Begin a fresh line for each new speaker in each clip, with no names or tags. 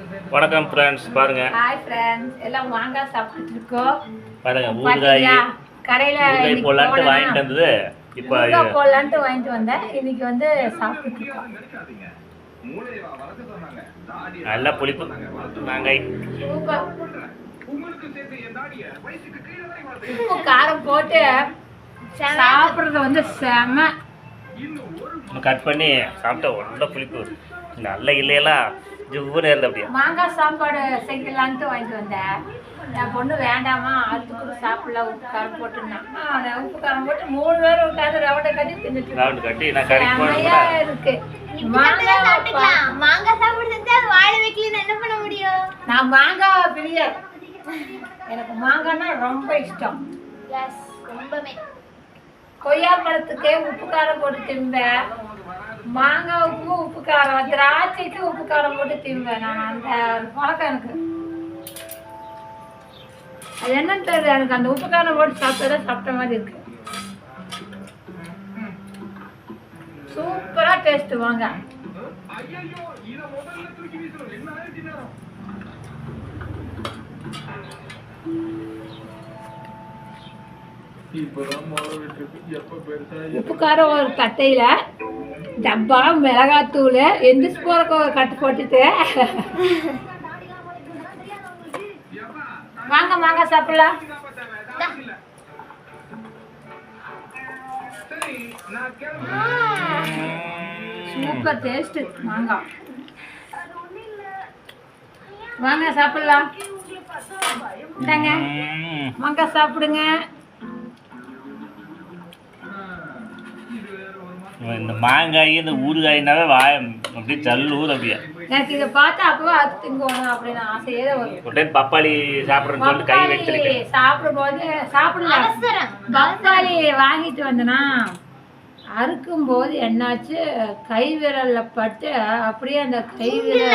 வணக்கம் ஃப்ரெண்ட்ஸ், பாருங்க.
Hi friends, எல்லாம் மாங்காய் சாப்பிட்டு இருக்கோம்.
பாருங்க, ஊறுகாய்
கடையில்
போடலான்ட்டு வாங்கிட்டு வந்தது. இப்போ
போடலான்ட்டு வாங்கிட்டு வந்தேன். இன்னைக்கு வந்து சாப்பிட்டு இருக்கோம்.
நல்லா புளிப்பு மாங்காய்,
உப்பு காரம் போட்டு சாப்பிட்றது வந்து செம.
கட் பண்ணி சாப்பிட்டா ஒன்றும் புளிப்பு நல்ல இல்லையெல்லாம் ஜிவ்வுன்னு இருந்த அப்படியே.
மாங்காய் சாப்பாடு செய்யலான்ட்டு வாங்கிட்டு வந்தேன். என் பொண்ணு வேண்டாமா, அதுக்கு சாப்பிடலாம், உப்பு காரம் போட்டுருந்தேன். உப்பு காரம் போட்டு 3 பேர் உட்காந்து ரவுண்டை கட்டி தின்னுட்டு
ரவுண்டு கட்டி நான் கடைக்கு
இருக்கு.
மாங்காய் சாப்பிட்டு வாழை வைக்கல என்ன பண்ண முடியும்?
நான் மாங்காய் பிரியர், எனக்கு மாங்காய்னா ரொம்ப இஷ்டம். கொய்யா பழத்துக்கே உப்பு காரம் போட்டு திம்பேன், மாங்காவுக்கும் உப்பு காரம், திராட்சைக்கு உப்பு காரம் போட்டு திம்பேன். நான் அந்த பழக்கம் எனக்கு அது என்னன்னு தெரியல, எனக்கு அந்த உப்பு காரம் போட்டு சாப்பிட்ட மாதிரி இருக்கு. சூப்பரா டேஸ்ட் வாங்க. உப்பு காரம் ஒரு தட்டையில டப்பா மிளகாத்தூள் எந்திரிச்சு போற கட்டு போட்டுட்டு வாங்க மாங்காய் சாப்பிடலாம். சூப்பர் டேஸ்ட் மாங்காய். வாங்க சாப்பிடலாம். இந்தாங்க மாங்காய் சாப்பிடுங்க.
இந்த மாங்காய் இந்த ஊறுகாய்னாவே வாய அப்படியே ஜல்லூர் அப்படியே.
எனக்கு இதை பார்த்தா அப்பவே அது திங்கணும் அப்படின்னு ஆசையே வரும்.
ஒரு டைம் பப்பாளி சாப்பிட்றேன்னு சொல்லிட்டு கை வச்சிருக்கேன்.
சாப்பிடும்போது சாப்பிடலாம். பப்பாளி வாங்கிட்டு வந்தேன்னா அறுக்கும் போது என்னாச்சு, கை விரல்ல பட்டு அப்படியே அந்த கை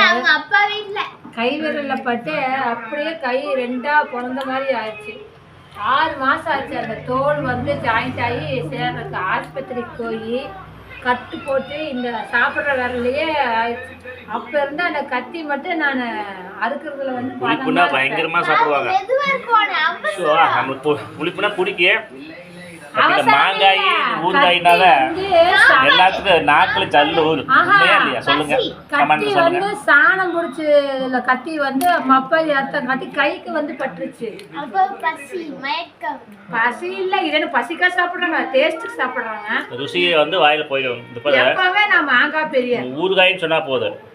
விரல்ல பட்டு அப்படியே கை 2ஆ பிறந்த மாதிரி ஆயிடுச்சு. 6 மாசம் ஆச்சு அந்த தோல் வந்து ஜாயிண்ட் ஆகி சேர்றதுக்கு. ஆஸ்பத்திரிக்கு போய் கட்டு போட்டு இந்த சாப்பிட்ற விரலையே ஆயிடுச்சு. அப்ப இருந்து அந்த கத்தி மட்டும் நான் அறுக்கிறதுல வந்து
பயங்கரமா சாப்பிடுவாங்க. புளிப்புனா பிடிக்க மாங்காய் ஊறுகாய்னால எல்லாத்துக்கும் நாக்குல ஜல்லு ஊறும் இல்லையா? சொல்லுங்க,
கத்தி வந்து சாணம் பிடிச்சி கத்தி வந்து மப்பாளி அர்த்தம் கத்தி கைக்கு வந்து பட்டுருச்சு. பசி இல்ல, இது பசிக்கா சாப்பிடுறாங்க, டேஸ்ட்டுக்கு சாப்பிடுறாங்க.
ருசியை வந்து வாயில போயிடும்.
எப்பவே நான் மாங்காய் பெரிய
ஊறுகாய்ன்னு சொன்னா போதும்.